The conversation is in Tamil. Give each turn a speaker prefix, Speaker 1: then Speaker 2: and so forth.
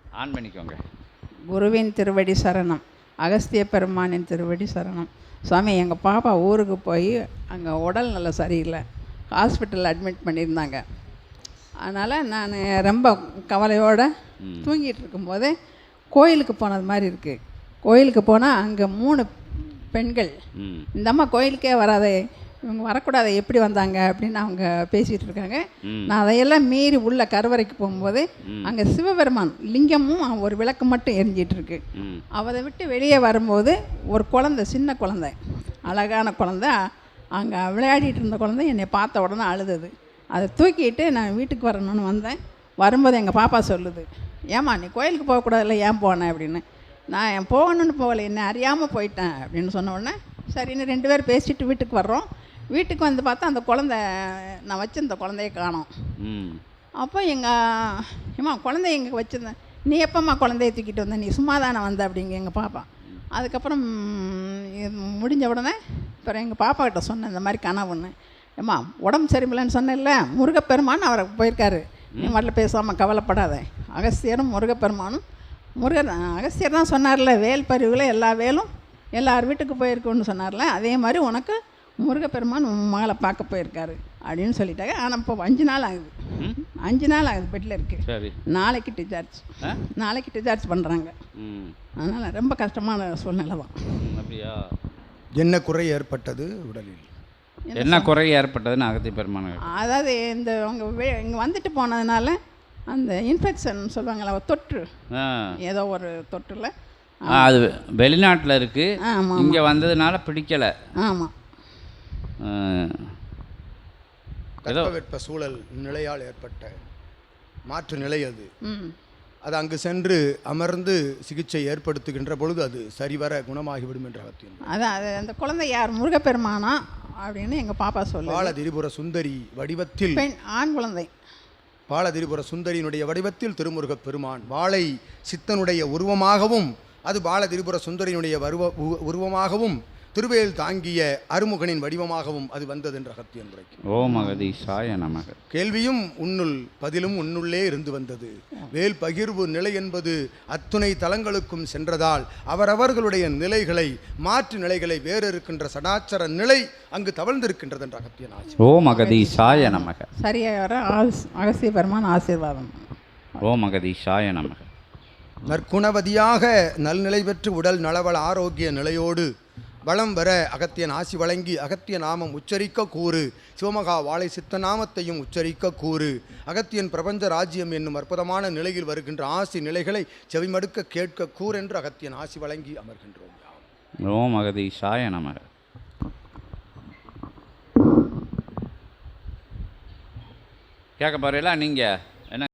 Speaker 1: ஆன் பண்ணிக்கோங்க.
Speaker 2: குருவின் திருவடி சரணம். அகஸ்திய பெருமானின் திருவடி சரணம். சுவாமி, எங்கள் பாப்பா ஊருக்கு போய் அங்கே உடல் நல்ல சரியில்லை, ஹாஸ்பிட்டலில் அட்மிட் பண்ணியிருந்தாங்க. அதனால் நான் ரொம்ப கவலையோடு தூங்கிட்டு இருக்கும்போதே கோயிலுக்கு போனது மாதிரி இருக்குது. கோயிலுக்கு போனால் அங்கே 3 பெண்கள், இந்த அம்மா கோயிலுக்கே வராதே, இவங்க வரக்கூடாது, எப்படி வந்தாங்க அப்படின்னு அவங்க பேசிகிட்டு இருக்காங்க. நான் அதையெல்லாம் மீறி உள்ள கருவறைக்கு போகும்போது அங்கே சிவபெருமான் லிங்கமும் ஒரு விளக்கு மட்டும் எரிஞ்சிட்ருக்கு. அதை விட்டு வெளியே வரும்போது ஒரு குழந்தை, சின்ன குழந்தை, அழகான குழந்தை, அங்கே விளையாடிட்டு இருந்த குழந்தை என்னை பார்த்த உடனே அழுதது. அதை தூக்கிட்டு நான் வீட்டுக்கு வரணும்னு வந்தேன். வரும்போது எங்கள் பாப்பா சொல்லுது, ஏம்மா நீ கோயிலுக்கு போகக்கூடாதுல்ல, ஏன் போனேன் அப்படின்னு. நான் என் போகணுன்னு போகலை, என்ன அறியாமல் போயிட்டேன் அப்படின்னு சொன்ன உடனே சரின்னு 2 பேர் பேசிட்டு வீட்டுக்கு வர்றோம். வீட்டுக்கு வந்து பார்த்தா அந்த குழந்தை, நான் வச்சுருந்த குழந்தைய காணோம். அப்போ ஏம்மா குழந்தைய எங்கே வச்சுருந்தேன், நீ எப்போம்மா குழந்தைய தூக்கிட்டு வந்த, நீ சும்மா தானே வந்த அப்படிங்க எங்கள் பாப்பா. அதுக்கப்புறம் முடிஞ்ச உடனே அப்புறம் எங்கள் பாப்பா கிட்ட சொன்னேன் இந்த மாதிரி கனவுன்னு. ஏம்மா உடம்பு சரியில்லைன்னு சொன்னேன்ல, முருகப்பெருமான் அவரை போயிருக்காரு, நீ வரல, பேசாமல் கவலைப்படாத. அகஸ்தியரும் முருகப்பெருமானும், அகஸ்தியர் தான் சொன்னார்ல, வேல் பருவில் எல்லா வேலும் எல்லார் வீட்டுக்கு போயிருக்குன்னு சொன்னார்ல, அதே மாதிரி உனக்கு முருகப்பெருமான் உன் மகளை பார்க்க போயிருக்காரு அப்படின்னு சொல்லிட்டாங்க. ஆனால் இப்போ 5 நாள் ஆகுது, 5 நாள் ஆகுது, பெட்டில் இருக்குது. நாளைக்கு டிசார்ஜ் பண்ணுறாங்க. அதனால் ரொம்ப கஷ்டமான சூழ்நிலை தான்.
Speaker 1: அப்படியா?
Speaker 3: என்ன குறை ஏற்பட்டது உடலில்?
Speaker 1: என்ன குறை ஏற்பட்டதுன்னு அகத்திய பெருமான்,
Speaker 2: அதாவது இந்த அவங்க இங்கே வந்துட்டு போனதுனால அந்த இன்ஃபெக்ஷன் சொல்லுவாங்களா, தொற்று, ஏதோ ஒரு தொற்றுல
Speaker 1: அது வெளிநாட்டில் இருக்குது, இங்கே வந்ததுனால பிடிக்கலை.
Speaker 2: ஆமாம்,
Speaker 3: தட்பவெட்ப சூழல் நிலையால் ஏற்பட்ட மாற்று நிலை அது. அது அங்கு சென்று அமர்ந்து சிகிச்சை ஏற்படுத்துகின்ற பொழுது அது சரிவர குணமாகிவிடும் என்ற அகத்தியம்.
Speaker 2: அதான் அது அந்த குழந்தை யார், முருகப்பெருமானா அப்படின்னு எங்கள் பாப்பா சொல்லு.
Speaker 3: பாலதிரிபுர சுந்தரி வடிவத்தில்,
Speaker 2: பெண், ஆண் குழந்தை.
Speaker 3: பாலதிரிபுர சுந்தரியினுடைய வடிவத்தில் திருமுருகப் பெருமான் வாளை சித்தனுடைய உருவமாகவும், அது பாலதிரிபுர சுந்தரியினுடைய உருவமாகவும், திருவேல் தாங்கிய அருமுகனின் வடிவமாகவும் அது வந்தது என்ற அகத்தியன் உரைக்கு.
Speaker 1: ஓம் அகதீசாய நமக.
Speaker 3: கேள்வியும் உன்னுள் பதிலும் உன்னுள்ளே இருந்து வந்தது. வேல் பகிர்வு நிலை என்பது அத்துணை தலங்களுக்கும் சென்றதால் அவரவர்களுடைய நிலைகளை, மாற்று நிலைகளை, வேறு இருக்கின்ற சடாச்சர நிலை அங்கு தவழ்ந்திருக்கின்றது என்ற அகத்தியன் ஆசி.
Speaker 1: ஓம் அகதீசாய நமக.
Speaker 2: சரியாக அகஸ்திய பெருமான் ஆசீர்வாதம்.
Speaker 1: ஓம் அகதீசாய நமக.
Speaker 3: நற்குணவதியாக நல்நிலை பெற்று உடல் நலவள ஆரோக்கிய நிலையோடு வளம் வர அகத்தியன் ஆசி வழங்கி அகத்திய நாமம் உச்சரிக்க கூறு. சிவமகா வாழை சித்த நாமத்தையும் உச்சரிக்க கூறு. அகத்தியன் பிரபஞ்ச ராஜ்யம் என்னும் அற்புதமான நிலையில் வருகின்ற ஆசி நிலைகளை செவிமடுக்க கேட்க கூறு என்று அகத்தியன் ஆசி வழங்கி அமர்கின்றோம்.
Speaker 1: ஓம் அகதீசாய நமக. கேட்க போறீங்களா நீங்கள்?